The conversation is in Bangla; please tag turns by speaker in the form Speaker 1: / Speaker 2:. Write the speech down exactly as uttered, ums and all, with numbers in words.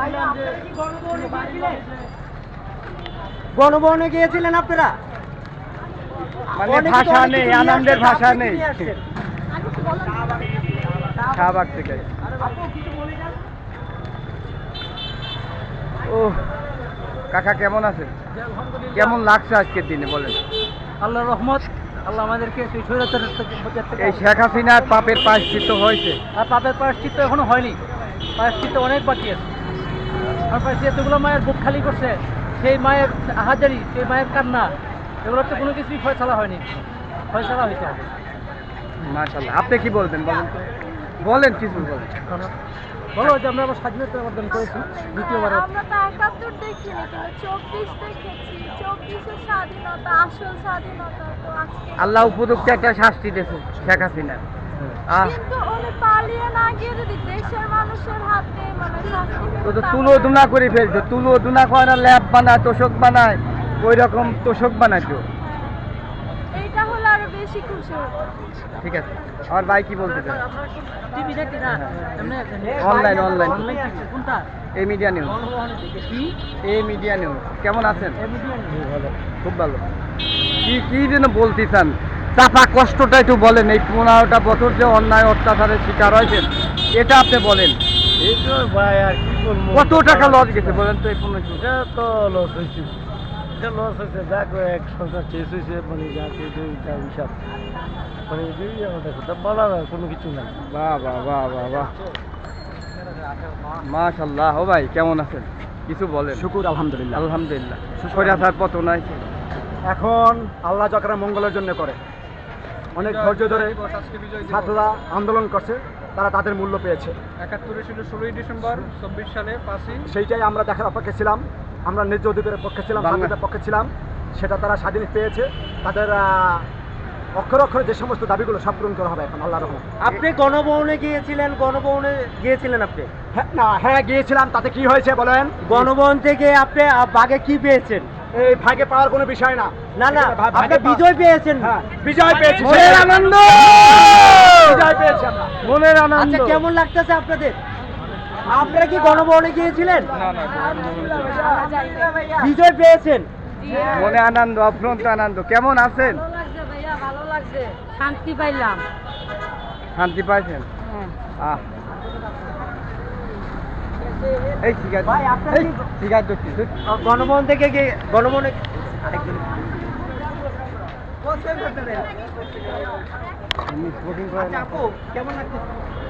Speaker 1: গণভবনে গিয়েছিলেন আপনারা?
Speaker 2: মানে ভাষা নেই, আনন্দের ভাষা নেই। শাহবাগ থেকে। ও কাকা কেমন আছেন? কেমন লাগছে আজকের দিনে বলেন?
Speaker 1: আল্লাহর রহমত, আল্লাহ আমাদেরকে সেই স্বৈরাচারের থেকে
Speaker 2: এই শেখ হাসিনার পাপের প্রায়শ্চিত্ত হয়েছে?
Speaker 1: আর পাপের প্রায়শ্চিত্ত এখনো হয়নি, প্রায়শ্চিত্ত অনেক বাকি আছে। আর প্রায়শ্চিত্তগুলো মায়ের বুক খালি করছে, সেই মায়ের হাজারি, সেই মায়ের কান্না, এগুলোর তো কোনো কিছুই ফয়সালা হয়নি, ফয়সালা হয়েছে।
Speaker 2: মাশাআল্লাহ। আপনি কি বলবেন বলেন তো? বলেন কিছু বলেন।
Speaker 1: বলো যে আমরা আবার স্বাধীনতা অর্জন করেছি দ্বিতীয়বার।
Speaker 3: আমরা তো একাত্তর দেখিনি, কিন্তু চব্বিশ দেখেছি। চব্বিশের স্বাধীনতা, আসল স্বাধীনতা তো আজকে।
Speaker 2: আল্লাহ উপযুক্ত একটা শাস্তি দিয়েছে শেখ হাসিনা। আহ
Speaker 3: কিন্তু উনি পালিয়ে না গিয়ে যদি দেশের মানুষের হাতে মানে শাস্তি পেত,
Speaker 2: তো তো
Speaker 3: তাহলে-
Speaker 2: তুলো দুনা করে ফেলছে, তুলো দুনা করে না, ল্যাব বানায়, তোষক বানায়, ওই রকম তোষক বানাইতো।
Speaker 3: এইটা হলে আরো বেশি খুশি হতো।
Speaker 2: ঠিক আছে, আমার ভাই কি বলতে চান?
Speaker 1: টিভি দেখি না, এমনি
Speaker 2: অনলাইন অনলাইন
Speaker 1: অনলাইন দেখছি। কোনটা?
Speaker 2: এই মিডিয়া নিউজ।
Speaker 1: কি
Speaker 2: এই মিডিয়া নিউজ। কেমন আছেন?
Speaker 1: এবিডিএন?
Speaker 2: খুব ভালো। কি কি যেন বলতে চান? চাপা কষ্টটা একটু বলেন। এই পনেরোটা বছর যে অন্যায় অত্যাচারের শিকার হয়েছেন, এটা আপনি বলেন।
Speaker 4: এই তো ভাই আর কি বলবো,
Speaker 2: কত টাকা লস গেছে বলেন তো এই পনেরো?
Speaker 4: এটা তো লস হয়েছে, এটা লস হয়েছে। যা করে এক সরকার শেষ হয়েছে, মানে যা কিছু হিসাব, মানে এটাই আমাদের কথা বলার আর কোনো কিছু নাই।
Speaker 2: বাহ বাহ বাহ বাহ বাহ, মাশাআল্লাহ। ও ভাই কেমন আছেন? কিছু বলেন।
Speaker 5: শুকুর আলহামদুলিল্লাহ।
Speaker 2: আলহামদুলিল্লাহ। স্বৈরাচার পতন হয়েছে।
Speaker 5: এখন আল্লাহ যারা মঙ্গলের জন্য করে, অনেক ধৈর্য ধরে ছাত্ররা আন্দোলন করছে, তারা তাদের মূল্য পেয়েছে।
Speaker 6: একাত্তরে ছিল ষোলোই ডিসেম্বর, চব্বিশ সালে পাঁচই।
Speaker 5: সেইটাই আমরা দেখার অপেক্ষে ছিলাম। আমরা ন্যায্য অধিকারের পক্ষে ছিলাম,
Speaker 2: বাংলা-
Speaker 5: স্বাধীনতার পক্ষে ছিলাম। সেটা তারা স্বাধীন পেয়েছে। তাদের আহ, অক্ষরে অক্ষরে যে সমস্ত দাবিগুলো সব পূরণ করা হবে এখন আল্লাহর রহমতে।
Speaker 1: আপনি গণভবনে গিয়েছিলেন, গণভবনে গিয়েছিলেন আপনি?
Speaker 5: হ্যাঁ না, হ্যাঁ গিয়েছিলাম। তাতে কি হয়েছে বলেন?
Speaker 1: গণভবন থেকে আপনি আ, বাগে কি পেয়েছেন?
Speaker 5: এই ভাগে পাওয়ার কোনো বিষয় না।
Speaker 1: না না,
Speaker 5: ভা- ভাগে
Speaker 1: আপনি
Speaker 5: পা-
Speaker 1: বিজয় পেয়েছেন।
Speaker 5: হ্যাঁ, বিজয় পেয়েছি।
Speaker 2: মনের আনন্দ,
Speaker 5: বিজয় পেয়েছি আমরা।
Speaker 2: মনের আনন্দ।
Speaker 1: আচ্ছা, কেমন লাগতেছে আপনাদের? আপনারা কি গণভবনে গিয়েছিলেন? বিজয় পেয়েছেন?
Speaker 2: মনে আনন্দ, অফ্রন্ত আনন্দ। কেমন আছেন?
Speaker 3: ভালো লাগছে ভাইয়া, ভালো লাগছে, শান্তি পাইলাম।
Speaker 2: শান্তি পাইছেন? আহ এই সিগারেট,
Speaker 1: ভাই, আপনারা
Speaker 2: এই
Speaker 1: কি-
Speaker 2: সিগারেট ধরছি, ধর।
Speaker 1: আ, গণভবন থেকে গিয়ে গণভবনে
Speaker 2: আমি স্মোকিং করেন।
Speaker 1: আচ্ছা আপু, কেমন লাগতেছে?